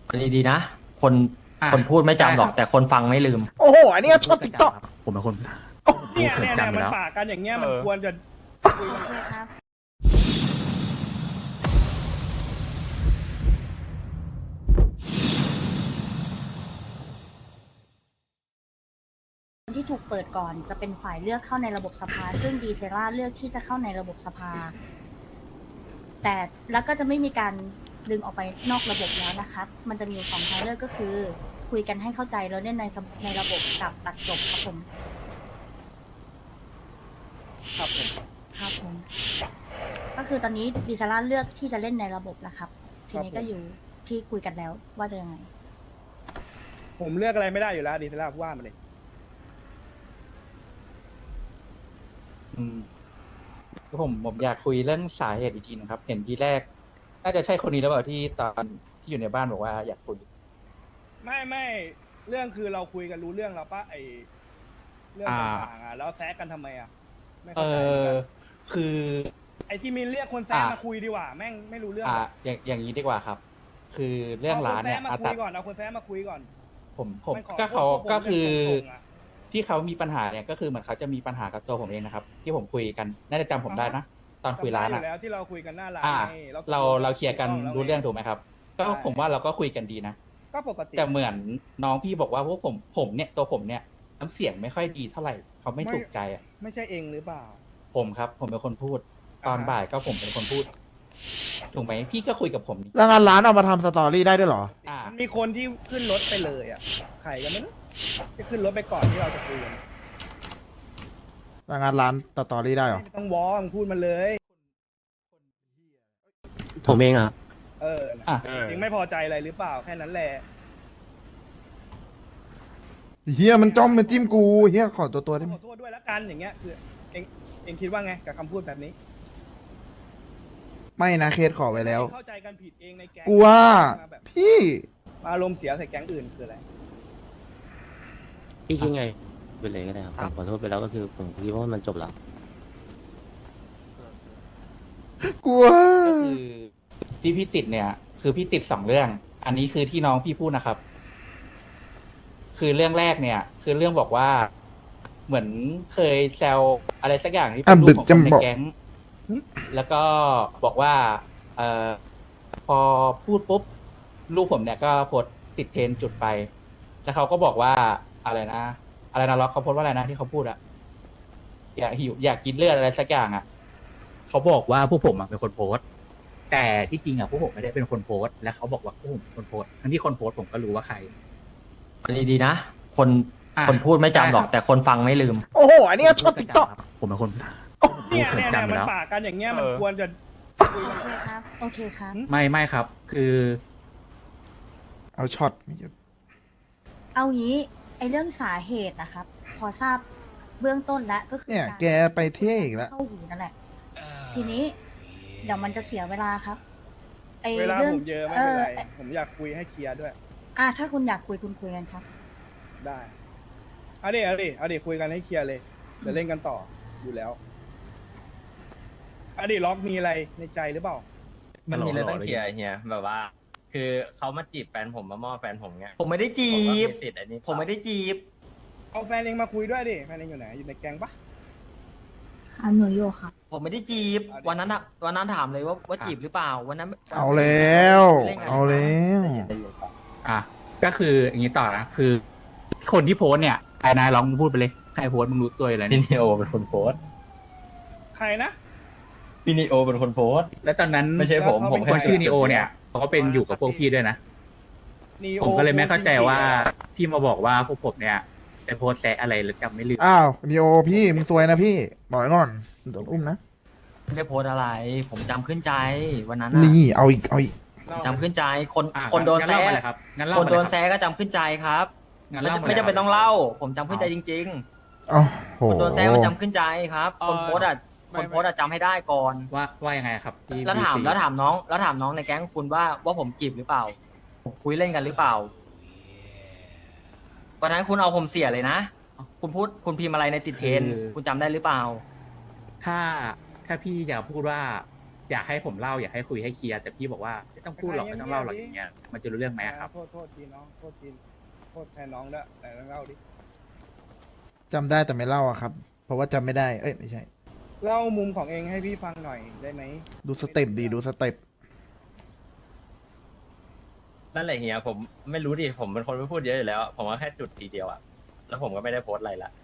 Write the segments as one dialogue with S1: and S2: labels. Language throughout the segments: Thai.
S1: อันนี้ดีนะ คน
S2: อ่ะ
S1: คนพูดไม่จำหรอก
S2: ได้ครับ
S1: แต่คนฟังไม่ลืม
S3: โอ้โห อันนี้ก็ชอบติ๊กต็อก
S2: ผมเป็นคน
S4: เนี่ยเนี่ย
S2: จำไป
S4: มัน
S2: แล้ว
S4: ปากกันอย่างเงี้ยมันควรจะคุยกัน
S5: ครับคนที่ถูกเปิดก่อนจะเป็นฝ่ายเลือกเข้าในระบบสภา ซึ่งดีเซล่าเลือกที่จะเข้าในระบบสภา แต่แล้วก็จะไม่มีการดึงออกไปนอกระบบแล้วนะครับ มันจะมีอยู่สองทางเลือกก็คือ คุยกันให้เข้าใจแล้วเล่นในระบบกับตัดจบครับผม
S4: ครับผม
S5: ครับผม ก็คือตอนนี้ดีเซล่าเลือกที่จะเล่นในระบบนะครับ ทีนี้ก็อยู่ที่คุยกันแล้วว่าจะยังไง
S4: ผมเลือกอะไรไม่ได้อยู่แล้วดีเซล่าว่ามาเลย
S2: ผมอยากคุยเรื่องสาเหตุอีกทีนะครับ เห็นทีแรก น่าจะใช่คนนี้แล้วเปล่าที่ตอนที่อยู่ในบ้านบอกว่าอยากคุย
S4: ไม่เรื่องคือเราคุยกันรู้เรื่องแล้วปะไอเรื่องต่างๆอ่ะแล้วแซะกันทำไมอ่ะไม่
S2: เอ
S4: เข้าใจเหมือน
S2: อ
S4: กัน
S2: คือ
S4: ไอที่มีเรียกคนแซะมาคุยดีกว่าแม่งไม่รู้เรื่อง
S2: อย่างนี้ดีกว่าครับ คือเรื่องร้านเนี่ย
S4: เอาคนแซะมาคุยก่อนเอาคนแซะมาคุยก่อน
S2: ผม
S4: มันขอ
S2: ก็เขา
S4: พวกผม
S2: ก็คือ
S4: เป็นคนส่งอะ
S2: ที่เขามีปัญหาเนี่ยก็คือเหมือนเขาจะมีปัญหากับตัวผมเองนะครับ ที่ผมคุยกันน่าจะจำผมได้นะตอนคุยร้าน
S4: จำได้
S2: อ่ะ
S4: อยู่แล้วที่เราคุยกันหน้าร้าน
S2: อ่า
S4: ไง
S2: เราเคลียร์กันรู้เรื่องถูกไหมครับ ก็
S4: ใช่
S2: ผมว่าเราก็คุยกันดีนะ
S4: ก็ปกติ
S2: แต่เหมือนน้องพี่บอกว่าพวกผมเนี่ยตัวผมเนี่ยน้ำเสียงไม่ค่อยดีเท่าไหร่เขาไม่ถูกใจอ่ะ
S4: ไม่ใช่เองหรือเปล่า
S2: ผมครับ ผมเป็นคนพูด ตอนบ่ายก็ผมเป็นคนพูด ถูกไหมพี่ก็คุยกับผมนี่
S3: แล้วงานร้านเอามาทำสตอรี่ได้ด้วยเหรอ
S2: อ่า
S4: มันมีคนที่ขึ้นรถไปเลยอ่ะใครกันไม่รู้จะขึ้นรถไปก่อนที่เราจะคุยกัน
S3: แล้วงานร้านสตอรี่ได้เหรอ
S4: ไม่ต้องวอร์มงพูดมาเลย
S1: ผมเองอ่ะ
S4: เออ
S2: อ่ะ
S4: ยังไม่พอใจอะไรหรือเปล่าแค่นั้นแหละ
S3: เฮียมันจ้องมันจิ้มกูเฮียขอตัวได้ไห
S4: ข
S3: ม
S4: อโทษด้วยแล้วกันอย่างเงี้ยคือเองคิดว่าไงกับคำพูดแบบนี้
S3: ไม่นะเคสขอไว้แล้ว
S4: เข้าใจกันผิดเองในแก๊ง
S3: กูว่า
S4: มาแบบ
S3: พี่
S4: อารมณ์เสียใส่แก๊งอื่นคืออะไร
S6: พี่คิดไงไปเลยก็ได้ครับผมขอโทษไปแล้วก็คือผมคิดว่ามันจบแล้ว
S3: กูว่า
S2: ก็คือที่พี่ติดเนี่ย คือพี่ติด2 เรื่อง อันนี้คือที่น้องพี่พูดนะครับ คือเรื่องแรกเนี่ย คือเรื่องบอกว่า เหมือนเคยแซวอะไรสักอย่างที่เป็นรูปของคนในแก๊ง แล้วก็บอกว่า พอพูดปุ๊บลูกผมเนี่ยก็โพสต์ติดเทรนด์จุดไป แล้วเขาก็บอกว่าอะไรนะล็อกเขาโพสต์ว่าอะไรนะที่เขาพูดอะอยากหิวอยากกินเลือดอะไรสักอย่างอะเขาบอกว่าพวกผมอะเป็นคนโพสต์ แต่ที่จริงอะพวกผมไม่ได้เป็นคนโพสต์ และเขาบอกว่าพวกผมเป็นคนโพสต์ทั้งที่คนโพสต์ผมก็รู้ว่าใคร
S1: อันนี้ดีนะ คน
S2: อ่ะ
S1: คนพูดไม่จำหรอก
S2: ได้ครับ
S1: แต่คนฟังไม่ลืม
S3: โอ้โห อันนี้ก็ชอบติ๊กต็อก
S2: ผมเป็นคน
S4: เนี่ยเนี่ย
S2: จำไป
S4: มัน
S2: แล้ว
S4: ปากกันอย่างเงี้ยมันควรจะคุยกัน
S5: โอเคครับ โอเคครับ
S2: ไม่ครับ คือ
S3: เอาช็อตไม่หยุด
S5: เอางี้ไอเรื่องสาเหตุนะครับ พอทราบเบื้องต้นแล้วก็คือ
S3: เนี่ย
S5: าร
S3: แกไปเท่อีกแล้ว
S5: เข้าหูนั่นแหละ ทีนี้ เดี๋ยวมันจะเสียเวลาครับไอ
S4: เวลา
S5: เรื่
S4: ผมเยอะไม่เป็นไร
S5: เออ
S4: ผมอยากคุยให้เคลียร์ด้วย
S5: ถ้าคุณอยากคุยคุณคุยกันครับ
S4: ได้เอาดิคุยกันให้เคลียร์เลยจะเล่นกันต่ออยู่แล้วเอาดิล็อกมีอะไรในใจหรือเปล่า
S7: มันมีอะไรต้องเคลียร์เฮียแบบว่า คือเขามาจีบแฟนผมมามอบแฟนผมเงี้ย
S1: ผมไม่ได้จี
S7: ผมก็
S1: บ
S7: มีสิทธิ์อันนี้
S1: ผมไม่ได้จีบ
S4: เอาแฟนเองมาคุยด้วยดิแฟนเองอยู่ไหนอยู่ในแก๊งปะ
S5: หนูโยค่ะ
S1: ผมไม่ได้จีบ วันนั้นถามเลยว่าจีบหรือเปล่า วันนั้น
S3: เอาแล้ว เอาแล้ว
S2: อ่ะก็คืออย่างนี้ต่อนะคือ คนที่โพสต์เนี่ยไอ้นายลองพูดไปเลยใครโพสต์มึงรู้ตัวอยู่แล้ว
S7: พี่
S2: นี่
S7: นิโอเป็นคนโพสต์
S4: ใครนะ
S7: พี่นิโอเป็นคนโพสต์
S2: แล้วตอนนั้น
S7: ไม่ใช่ผม
S4: แล้วเขา
S7: ผม
S4: เป็น
S2: คนชื่อนีโอเนี่ยเขาก็เป็นอยู่กับพวกพี่ด้วยนะ
S4: Neo
S2: ผมก็เลยไม่เข้าใจว่าพี่มาบอกว่าพวกผมเนี่ยไปโพสต์แซะอะไรแล้วจำไม่ลืม
S3: อ้าวนีโอพี่มึงซวยนะพี่ บอกไว้ก่อนโดนอุ้มนะ
S1: ไม่ได้โพสต์อะไร ผมจำขึ้นใจ วันนั้นน่ะ
S3: นี่เอาอีก เอาอีก
S1: จำขึ้นใจ คน
S2: อ่ะ
S1: คนโดน
S2: งั้
S1: แซะ
S2: เล่ามาเลยครับงั้นเล่า
S1: คน
S2: มา
S1: โด
S2: เลย
S1: น
S2: ครับ
S1: แซะก็จำขึ้นใจครับ
S2: งั้น
S1: ไม่
S2: เล่ามา
S1: ไม่
S2: เลย
S1: จำเป็น
S2: ครับ
S1: ต้องเล่า ผมจำขึ้นใจจริง
S3: เอ้าโห
S1: ๆ คนโดนแซะมันจำขึ้นใจครับ คนโพสต์อ่ะ คนโพสต์อะจำให้ได้ก่อน
S2: ว่ายังไงครับที่
S1: แล้วถาม
S2: BC
S1: แล้วถามน้องในแก๊งคุณว่าผมจีบหรือเปล่าผมคุยเล่นกันหรือเปล่าวันนั้นคุณเอาผมเสียเลยนะ คุณพิมพ์อะไรในติดเทรนด์คุณจำได้หรือเปล่า
S2: ถ้าพี่อยากพูดว่าอยากให้ผมเล่าอยากให้คุยให้เคลียร์แต่พี่บอกว่าไม่ต้องพูดหรอกไม่ต้องเล่าหรอกอย่างเงี้ยมันจะรู้เรื่องไหมอะครับ
S4: โทษทีน้องโทษทีโทษแทนน้องด้วยแต่ต้องเล่าดิ
S3: จำได้แต่ไม่เล่าอะครับ เพราะว่าจำไม่ได้ เอ้ยไม่ใช่
S4: เล่ามุมของเองให้พี่ฟังหน่อยได้ไหม
S3: ดูสเต็ปดีดูสเต็ป
S7: นั่นแหละเฮียผมไม่รู้ดิผมเป็นคนไม่พูดเยอะอยู่แล้ว ผมว่าแค่จุดทีเดียวอะแล้วผมก็ไม่ได้โพสต์อะไรละ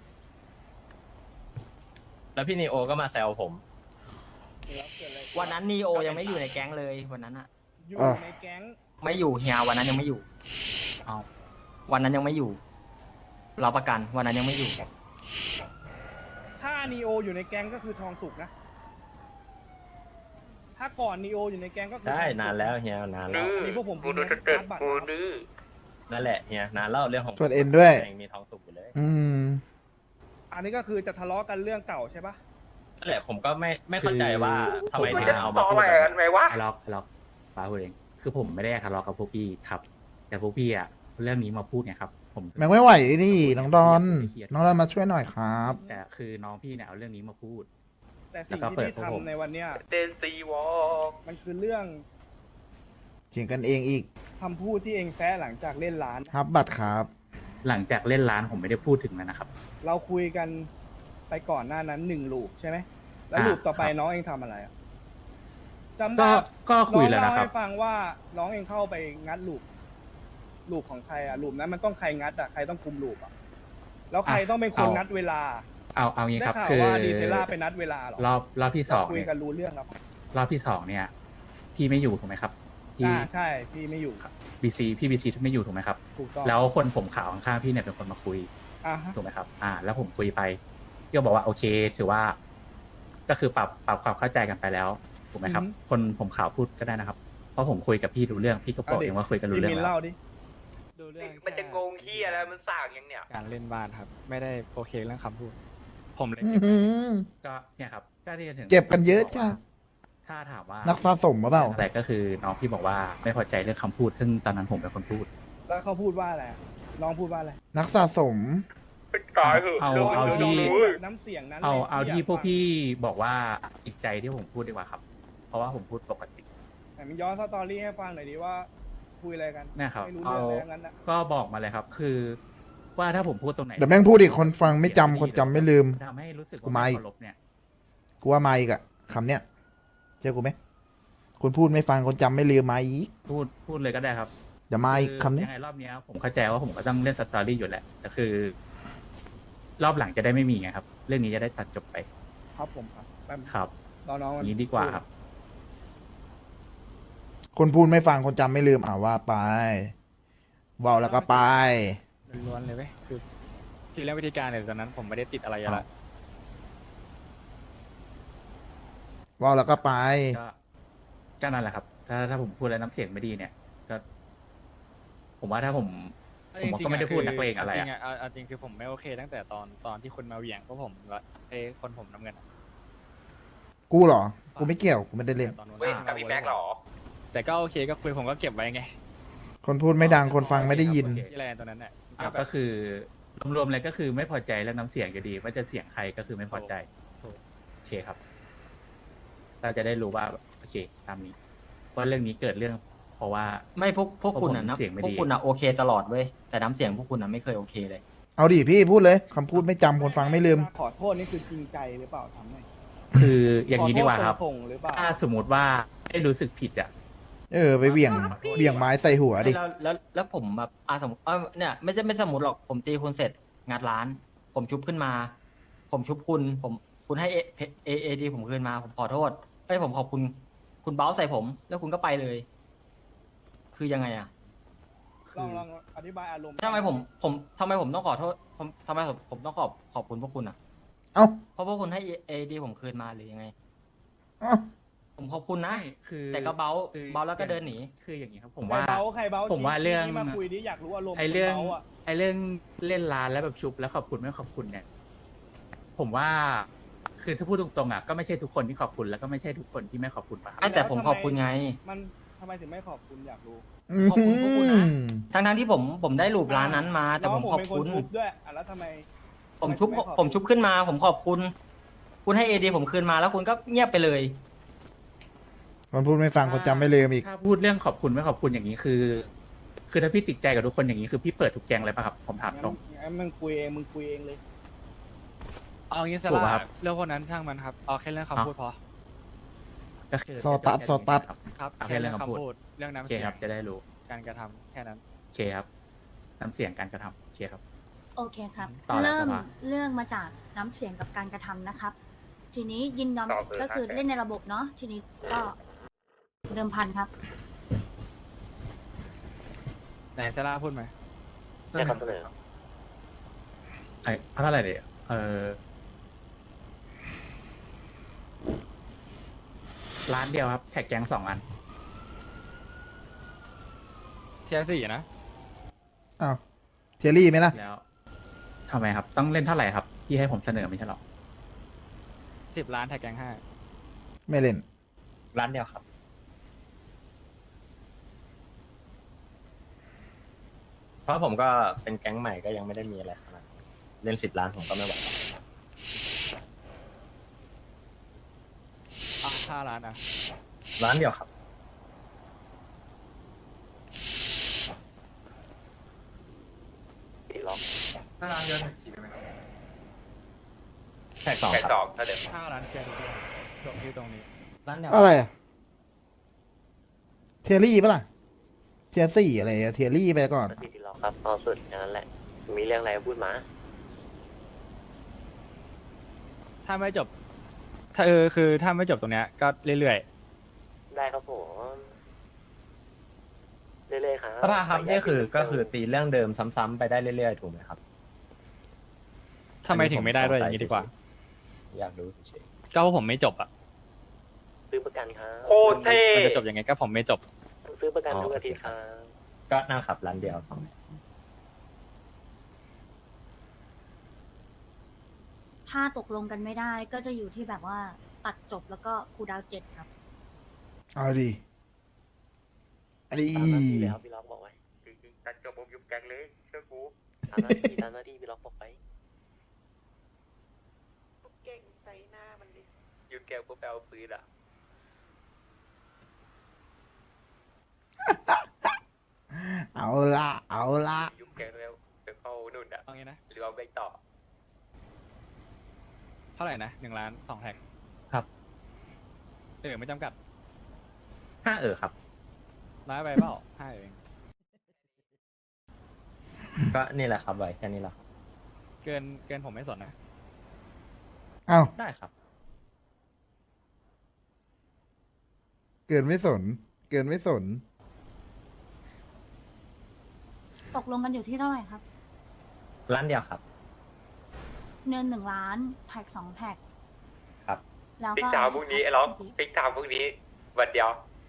S7: แล้วพี่นีโอก็มาแซวผม
S4: แล้วเกิดอะไร
S1: วันนั้นนีโอยังไม่อยู่ในแก๊งเลยวันนั้นอะ
S4: อยู่ในแก๊ง
S1: ไม่อยู่เฮียวันนั้นยังไม่อยู่
S2: เอา
S1: วันนั้นยังไม่อยู่เราประกันวันนั้นยังไม่อยู่
S4: ถ้านีโออยู่ในแก๊งก็คือทองสุกนะ ถ้าก่อนนีโออยู่ในแก๊งก็คือ
S7: ได้
S4: ทองสุก
S7: นานแล้วเฮียนานแล้ว
S4: อันนี้พวกผมพูดนะการ์ดบัตรนะครับ
S7: นั่นแหละเฮียนานแล้วเรื่องของ
S3: ส่วนเอ็นด้วย
S7: ยังมีทองสุกอยู่เลย
S3: อืม
S4: อันนี้ก็คือจะทะเลาะกันเรื่องเก่าใช่ปะ
S7: นั่นแหละผมก็ไม่เข้าใจว่าทำไมถึงเอามาพูดแบบนั้น
S2: ทะเลาะป้าพูดเองคือผมไม่ได้ทะเลาะกับพวกพี่ครับ แต่พวกพี่อะเรื่องนี้มาพูดไงครับ ผม
S3: แม่งไม่ไหวนี่น้องดอน น้องดอนมาช่วยหน่อยครับ
S2: แต่คือน้องพี่เนี่ยเอาเรื่องนี้มาพูด
S4: แต่สิ่ง
S2: แล้วก็
S4: ที่
S2: เปิด
S4: พี่
S2: พวกผม
S4: ทำในวันเนี้ย
S8: เดนซีวอล
S4: มันคือเรื่อง
S3: เถียงกันเองอีก
S4: คำพูดที่เองแซะหลังจากเล่นร้าน
S3: ครับบัตรครับ
S2: หลังจากเล่นร้านผมไม่ได้พูดถึงแล้วนะครับ
S4: เราคุยกันไปก่อนหน้านั้น1 ลูปใช่ไหม แล้วลูปต่อไป
S2: ครับ
S4: น้องเองทำอะไรอะจำ
S2: ก็
S4: ได้
S2: ก็คุย
S4: น้อง
S2: แล้ว
S4: เล่า
S2: นะครับ
S4: ให้ฟังว่าน้องเองเข้าไปงัดลูปของใครอะลูปนั้นมันต้องใครงัดอะใครต้องคุมลูปอะแล้วใครต้องเป็นคน
S2: เอา
S4: นัดเวลา
S2: เอางี้
S4: ได้
S2: ครับ
S4: ข่าว
S2: คือ
S4: ว่าดีเซล่าไปนัดเวลาเหรอ
S2: รอบที่สอง
S4: คุย
S2: เนี่ย
S4: กันรู้เรื่องครับ
S2: รอบที่สองเนี่ย พี่ไม่อยู่ถูกไหมครับพี่
S4: ใช่พี่ไม่อยู่
S2: พี่บีซีไม่อยู่ถูกไหมครับ
S4: ถูกต้อง
S2: แล้วคนผมขาวข้างๆพี่เนี่ยเป็นคนมาคุย
S4: อ่ะฮะ
S2: ถูกไหมครับ แล้วผมคุยไปพี่ก็บอกว่าโอเค ถือว่า ก็คือปรับความเข้าใจกันไปแล้วถูกไหมครับ คนผมขาวพูดก็ได้นะครับ เพราะผมคุยกับพี่รู้เรื่องพี่ก็บอกเองว่าคุยกันรู้
S4: พี่
S2: เรื่อ
S4: มิ
S2: ง
S4: น
S2: แล้ว
S4: เล่าดิ
S9: ดูเรื่อง
S8: มันจะงงเฮียอะไรมันสั่งยังเนี่ย
S9: การเล่นบ้านครับ ไม่ได้โอเคเรื่องคำพูด ผมเลย
S3: อื้อหือ
S2: ก็เนี่ยครับก็ที่จะถึง
S3: เก็บกันเยอะจ้ะ
S2: ถ้าถามว่า
S3: นักสะสมหรือเปล่า
S2: แต่ก็คือน้องพี่บอกว่าไม่พอใจเรื่องคำพูดซึ่งตอนนั้นผมเป็นคนพูด
S4: แล้วเขาพูดว่าอะไรอะน้องพูดว่าอะไร
S3: นักสะสม
S8: ตายเหอะ
S2: เอา
S8: รื่อง
S2: เอา
S8: รื่อง
S2: ที่
S8: รู้
S4: น้ำเสียงนั้น
S2: เอา
S4: ลย
S2: เอาที่
S4: ยาก
S2: พวก
S4: ฟัง
S2: พี่บอกว่าติดใจที่ผมพูดดีกว่าครับ เพราะว่าผมพูดปกติ
S4: ไหนมันย้อนสตอรี่ให้ฟังหน่อยดิว่าคุยอะไรกัน
S2: เนี่ยครับ
S4: ไม่รู้
S2: เอา
S4: เรื่องอะไรทั้งนั้นนะ
S2: ก็บอกมาเลยครับ คือว่าถ้าผมพูดตรงไหน
S3: เดี๋ยวแม่งพูดอีกคนฟังไม่จำคนจำไม่ลืม
S2: ทำให้รู้สึก
S3: กู
S2: ว่า
S3: มา
S2: ไม่
S3: อีก
S2: เคารพเนี่ย
S3: กูว่ามาอีกอะคำเนี้ยเชื่อกูไหมคนพูดไม่ฟังคนจำไม่ลืมมาอีก
S2: พูดเลยก็ได้ครับ
S3: เดี๋ยวมาอีกคำเนี้ย
S2: ยังไงรอบเนี้ยผมเข้าใจว่าผมก็ต้องเล่นสตอรี่อยู่แหละแต่คือ รอบหลังจะได้ไม่มีไงครับ เรื่องนี้จะได้ตัดจบไป
S4: ครับผมครับแป๊บ
S2: ครับ
S4: น้องๆ
S2: อ
S4: มัน
S2: ย่างนี้ดีกว่าครับ
S3: คนพูดไม่ฟังคนจำไม่ลืมว่าไปเบาแล้วก็ไป
S9: ล้วนๆเลยเว้ยคือที่เรื่องวิธีการเนี่ยตอนนั้นผมไม่ได้ติดอะไรอยู่
S2: ครั
S9: แล้
S2: บ
S9: ว
S3: เบาแล้วก็ไป
S2: ก็นั่นแหละครับ ถ้าผมพูดแล้วน้ำเสียงไม่ดีเนี่ย ก็ ผมว่าถ้าผมก็ไม่ได้พูดนักเลงอะไร
S9: จ
S2: อะ
S9: ริงๆเอาจริงคือผมไม่โอเคตั้งแต่ตอนที่คุณมาเหวี่ยงพวกผมแล้วคนผมน้ำเงินอะ
S3: กูเหรอ กูไม่เกี่ยว กูไม่ได้เล่น
S9: ตอนนู้น
S8: เว้ยกับพี่แม็กหรอ
S9: แต่ก็โอเคก็คุยผมก็เก็บไว้ไง
S3: คนพูดไม่ดังคนฟังไม่ได้ยิน
S9: ที่แลนด์ตอนนั้นน่ะ
S2: ก็คือรวมๆเลยก็คือไม่พอใจแล้วน้ำเสียงอยู่ดี ว่าจะเสียงใครก็คือไม่พอใจ
S9: ถูก
S2: โอเคครับ เราจะได้รู้ว่าโอเคตามนี้ว่าเรื่องนี้เกิดเรื่อง เพราะว่า
S1: ไม่พวกคุณอะนะ
S2: เสียงไม่ดี
S1: พวกคุณอะโอเคตลอดเว้ยแต่น้ำเสียงพวกคุณอะไม่เคยโอเคเลย
S3: เอาดิพี่พูดเลยคำพูดไม่จำคนฟังไม่ลืม
S4: ขอโทษนี่คือจริงใจหรือเปล่าทำให้
S2: คืออย่างนี้ดีกว่าครับ
S4: ขอโทษส่งๆหรือเปล่า
S2: ถ้าสมมติว่าได้รู้สึกผิดอ่ะ
S3: ไปเหวี่ยงไม้ใส่หัวดิ
S1: แล้วผมแบบสมมติเนี่ยไม่สมมติหรอกผมตีคุณเสร็จงัดร้าน ผมชุบขึ้นมา ผมชุบคุณให้เอดีผมคืนมา ผมขอโทษผมขอบคุณ คุณเบ้าใส่ผม แล้วคุณก็ไปเลย คือยังไงอะ
S4: ลองอธิบายอารมณ์
S1: ทำไมผมต้องขอโทษทำไมผมต้องขอบคุณพวกคุณอะ
S3: เอ้า
S1: เพราะพวกคุณให้เอดีผมคืนมาหรือยังไง
S3: เอ้า
S1: ผมขอบคุณนะ
S2: คือ
S1: แต่ก็เบ้าแล้วก็เดินหนี
S2: คืออย่างนี้ครับ ผม
S4: ใคร
S2: ว่า
S4: เบาใครเบา
S2: ผมว่าเรื่อง
S4: ชี้มาคุยดิอยากรู้อารมณ์
S2: ไอ้เรื่อง
S4: คนบาะ
S2: ไอ้เรื่องเล่นร้านแล้วแบบชุบแล้วขอบคุณไม่ขอบคุณเนี่ย ผมว่า คือถ้าพูดตรงๆอ่ะก็ไม่ใช่ทุกคนที่ขอบคุณแล้วก็ไม่ใช่ทุกคนที่ไม่ขอบคุณป่ะครับ
S1: แต่ผมขอบคุณไง
S4: มันทำไมถึงไม่ขอบคุณอยากรู้
S1: ขอบคุณพวกคุณนะ ทั้งที่ผมได้รูปร้านนั้นมา แต่ผม
S4: น้ง
S1: ขอบ
S4: เป็น
S1: คุณ
S4: ชุบด้วยแล้วทำไม
S1: ผมชุบขึ้นมา ผมขอบคุณ คุณให้เอดีผมคืนมาแล้วคุณก็เงียบไปเลย
S3: คนพูดไม่ฟังคนจำไม่ลืมอีก
S2: ถ้าพูดเรื่องขอบคุณไม่ขอบคุณอย่างนี้คือ คือถ้าพี่ติดใจกับทุกคนอย่างนี้คือพี่เปิดทุกแกงเลยป่ะครับผมถามตรง
S4: งั้นมึงคุยเองมึงคุยเองเลย
S9: เอางี้ส
S2: ถูกปะ
S9: ละ
S2: ครับ
S9: เรื่องคนนั้นช่างมันครับเอาแค่เรื่องคำพูดพอ
S2: ก็คือ
S3: โซตัสโซตัส
S9: ครับ
S2: เอาแค่เรื่องคำพูด
S9: เรื่อง
S2: โอ
S9: น้ำ
S2: เค
S9: เสียง
S2: ครับจะได้รู้
S9: การกระทำแค่นั้น
S2: โอเคครับน้ำเสียงการกระทำโอเคครับ
S5: โอเคครับ
S2: ต่อแล้ว
S5: เริ่ม
S2: สภา
S5: เรื่องมาจากน้ำเสียงกับการกระทำนะครับ ทีนี้ยินยอม
S8: ต่อเลย
S5: ก็คือ
S8: ครับ
S5: เล่นในระบบเนาะทีนี้ก็เดิมพันครับ
S9: ไหนซาร่าพูดไหม
S6: แค่คำเสนอ
S2: ไอ้เท่าไหร่เดี๋ยวร้านเดียวครับแท็กแกง2 อัน
S9: เทียร์สี่นะ
S3: อ้าวเทียรี่ไหมล่ะ
S2: แล้วทำไมครับ ต้องเล่นเท่าไหร่ครับพี่ให้ผมเสนอไม่ใช่หรอ
S9: 10 ล้านแท็กแกงห้า
S3: ไม่เล่น
S7: ร้านเดียวครับ เพราะผมก็เป็นแก๊งใหม่ก็ยังไม่ได้มีอะไรขนาดนั้นเล่น10 ล้านผมก็ไม่ไหว
S9: 5 ล้านอ่ะ
S7: ร้านเดียวครับ
S6: ตีล็อก
S7: แท็กสอง
S8: แค่
S7: ครับ
S8: สองถ้าเดิม
S9: 5 ล้านเคลียร์ทุกอย่างจบที่ตรงนี้
S1: ร้านเดียว
S3: อะไรอะเทียรี่ปะล่ะเทียสี่อะไรอะเทียรี่ไปก่อน
S6: ตีล็อกครับเอาสุดอย่างนั้นแหละ มีเรื่องอะไรพูดมา
S9: ถ้าไม่จบ ถ้าคือถ้าไม่จบตรงเนี้ยก็เรื่อย
S6: ได้ครับผมเรื่อยๆครับ
S7: สภาครับนี่คือก็คือตีเรื่องเดิมซ้ำๆไปได้เรื่อยๆถูกไหมครับ
S9: ๆทำไมถึงไม่ได้ด้วยอย่างนี้ดีกว่า
S7: อยากรู้เฉย
S9: ก็เพราะผมไม่จบอ่ะ
S6: ซื้อประกันครับ
S8: โคตรเท่
S9: มันจะจบยังไงก็ผมไม่จบ
S6: ซื้อประกันทุกอาทิตย์ครับ
S7: ๆก็นั่งขับร้านเดียว2
S5: ถ้าตกลงกันไม่ได้ก็จะอยู่ที่แบบว่าตัดจบแล้วก็คูลดาวน์7ครับ
S3: เอาดีอันนี้
S6: ตามหน้าที่แล้วพี่ล็อกบอกไว้
S8: จริงๆตัดจบผมยุบแก๊งเลยเชื่อกู
S6: ตามหน้าที่พี่ล็อกบอกไว้
S8: เก่งใส่หน้ามันดิยุบแก๊งพวกแปลปืนอ่ะ
S3: เอาละเอาละ
S8: ยุบแก๊งแล้วไปเข้านู่นอ่ะ
S9: เอางี้นะ
S8: หรือเอาไปต่อ
S9: เท่าไหร่นะ1 ล้าน 2 แท็ก
S7: ครับ
S9: ไม่จำกัด
S7: 5ครับ
S9: ร้ายไปเปล่า5เอง
S7: ก็นี่แหละครับไว้แค่นี้แหละครับ
S9: เกินผมไม่สนนะ
S3: เอา
S7: ได้ครับ
S3: เกินไม่สน เกินไม่สน
S5: ตกลงกันอยู่ที่เท่าไหร่ครับ
S7: ร้านเดียวครับ
S5: เงิน1 ล้านแท็ก2 แท็ก
S7: ครับ
S5: แล้ว
S8: ติ๊ก
S5: ก็
S8: ตามพรุ่งนี้ไอ้ล็อกติ๊กตามพรุ่งนี้วันเดียว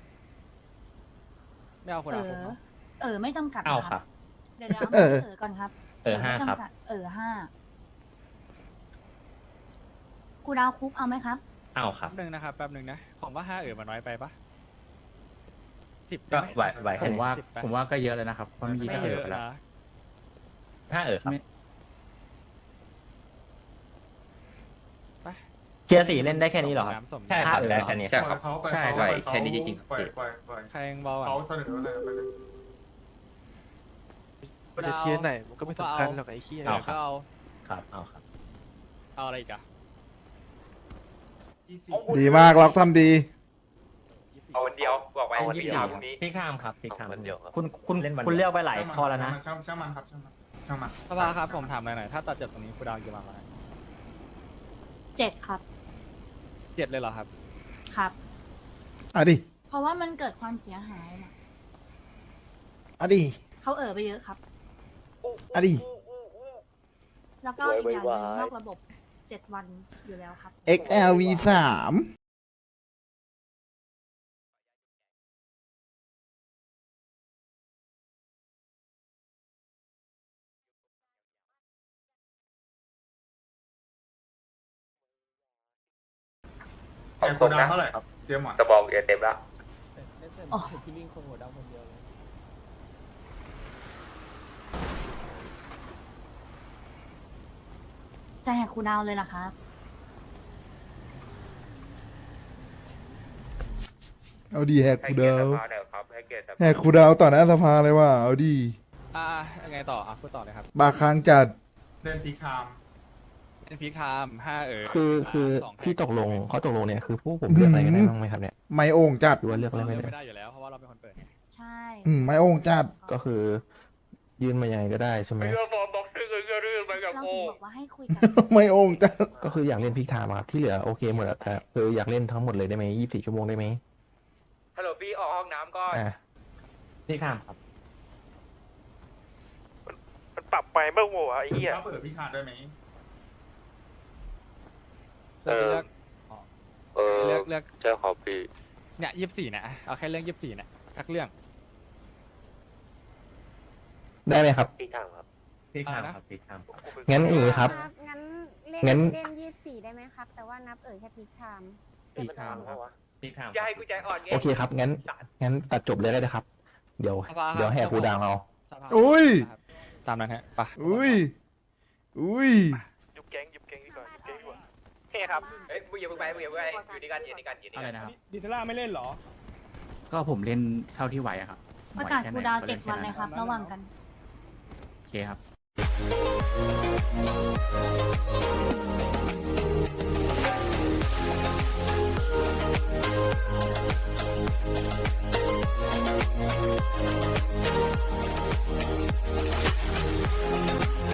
S9: ไม่เอาคน
S5: เอ
S9: ละผม
S5: ไม่จำกัด
S7: เอา
S5: นะ
S7: ค
S5: ค
S7: รั
S5: รับ บ เดี๋ยวเอามาที่ก่อนครับ
S7: 5
S5: ไม่
S7: ครับ
S5: จำกัด5คูลดาวน์คุกเอาไหมครับ
S7: เอาครับ
S9: แป๊บนึงนะครับแป๊บนึงนะผมว่า5มันน้อยไปปะ10
S7: ก็
S9: ได้ไหม
S7: ไหวแค่
S2: ผม
S7: นี้
S2: ว่า
S9: 10ไป
S2: ผมว่าก็เยอะเลยนะครับเพราะเมื่อกี้
S9: ไม่
S2: ก็
S9: เย
S2: เออ
S9: อะ
S2: ไปแล้ว
S9: นะ
S7: 5ครับ
S2: ไม่
S9: ไป
S1: เทียร์4เล่นได้แค่นี้เหรอครับ
S9: น้ำส้ม
S7: ใช่ครับได้แค่นี้ครับ
S2: ใช่
S6: ไหวแค่นี้จริง
S9: ใครยังเบาอ่ะ
S10: เขาเสนออะไรไปเลย
S9: มันจะเทียนไหนมันก็ไม่สำคัญหรอกไอ้ขี้
S7: เอาครับ
S9: ก็เอา
S7: ครับเอาครับ
S9: เอาอะไรอีกอะ
S3: ดีมากล็อกทำดี
S8: เอาวันเดียวบอกไว้
S6: เอาวัน
S8: ยี่
S6: เดี
S8: สิ
S6: ยว
S8: บพรุ่งนี้
S7: พี่ข้ามครับพี่ข้าม
S6: วันเดียวครับ
S1: คุณ
S7: เล่นวันเดียว
S1: คุณเลือกไปหลายข้อแล้วนะ
S10: ช่างมันครับช่างมัน
S9: สภาครับผมถามหน่อยถ้าตัดจบตรงนี้คูดาวกี่วันวะ
S5: 7 ครับ
S9: 7เลยเหรอครับ
S5: ครับ
S3: อ่ะดิ
S5: เพราะว่ามันเกิดความเสียหายนะ
S3: อ่ะดิ
S5: เขาไปเยอะครับ
S3: อ่ะดิ
S5: แล้วก็อีกอย่างหนึงนอกระบบ 7 วันอยู่แล้วครับ
S3: XLV 3
S8: เอาครบนะ
S10: เท่าไหร่ครับเตรียมหมอน
S8: กระบอกอย่าเต็มแล้ว
S5: อ๋อ จะแหกคูลดาวน์เลยเหรอครับ
S3: เอาดีแหก
S8: ให้
S3: คู
S8: เกียร
S3: ดา
S8: ติ
S3: ว
S8: สภาเดี๋ยวครับให้เกียรติสภา
S3: แหกคูดาวต่อหน้าสภาเลยว่ะเอาดี
S9: ยังไงต่อพูดต่อเลยครับ
S3: บาค้างจัด
S10: เล่นพีคาม
S9: เป็นพีคไทม์5
S11: คือ
S9: สองแพ็ค
S11: ที่ตกลงเขาตกลงเนี่ยคือพวกผมเลือกอะไรกันได้บ้างไหมครับเนี่ย
S3: ไม่โอ่งจัด
S11: หรือว่าเลือกอะไร
S9: เรา
S11: ไม่
S9: เลือก
S11: ได้
S9: ไม่ได้อยู่แล้วเพราะว่าเราเป็นคนเปิดไง
S5: ใช่
S3: ไม่โอ่งจัด
S11: ก็คือยื่นมายังไงก็ได้ใช่ไหม
S8: ไอ้เรื่องฟอร์มบ็อกซิ่งไอ้เรื่องไปกับ
S5: เรา
S8: โอ้
S5: ถึงบอกว่าให้คุยกัน
S3: ไม่โอ่งจัด
S11: ก็คืออยากเล่นพิกไทม์ครับที่เหลือโอเคหมดอะแต่คืออยากเล่นทั้งหมดเลยได้ไหม24 ชั่วโมงได้ไหม
S8: ฮัลโหลพี่ออกห้องน้ำก่อน
S11: อ่ะ
S1: พี่ข้ามครับ
S8: มันปรับไปเมื่อโมงไอ้เหี้ย
S10: ถ้าเปิดพีคามได้ไหม
S9: เลือก เลือก
S8: เจ้าขอพี่
S9: เนี่ย24นะเอาแค่เรื่อง24นะทักเรื่อง
S11: ได้ไหมครับ
S8: พี่ทางครับ
S1: พี่ข้าม
S9: อะไรนะ
S1: ครับพี่ข้ามครับ
S11: งั้นอย่างนี้ครับ
S12: งั้น
S11: งั้น
S12: เล่น24ได้ไหมครับ แต่ว่านับแค่พีคไทม์
S1: พี่ข้ามครับพี่ข้าม
S8: อย่าให้กูใจอ่อนไง
S11: โอเคครับงั้นตัดจบเลยได้เลยครับ เดี๋ยว
S9: สภาครับ
S11: เดี๋ยวแหกคูดาวเอา
S9: สภา
S3: อุ้ย
S9: ตามนั้นฮะไป
S3: อุ้ย อุ้ย
S8: ยุบแก๊งดีกว่ายุบแก๊งดีกว่าโอเคครับเอ้ยมึงอย่าเพิ่งไปอยู่ด้วยกันอยู่ด้วยกัน
S9: อะไรนะครับ
S4: ดิเทล่าไม่เล่นเหรอ
S9: ก็ผมเล่นเท่าที่ไหวอะครับ
S5: ประกาศคูลดาวน์7 วันเลยครับ ระหว่างกัน
S9: โอเคครับ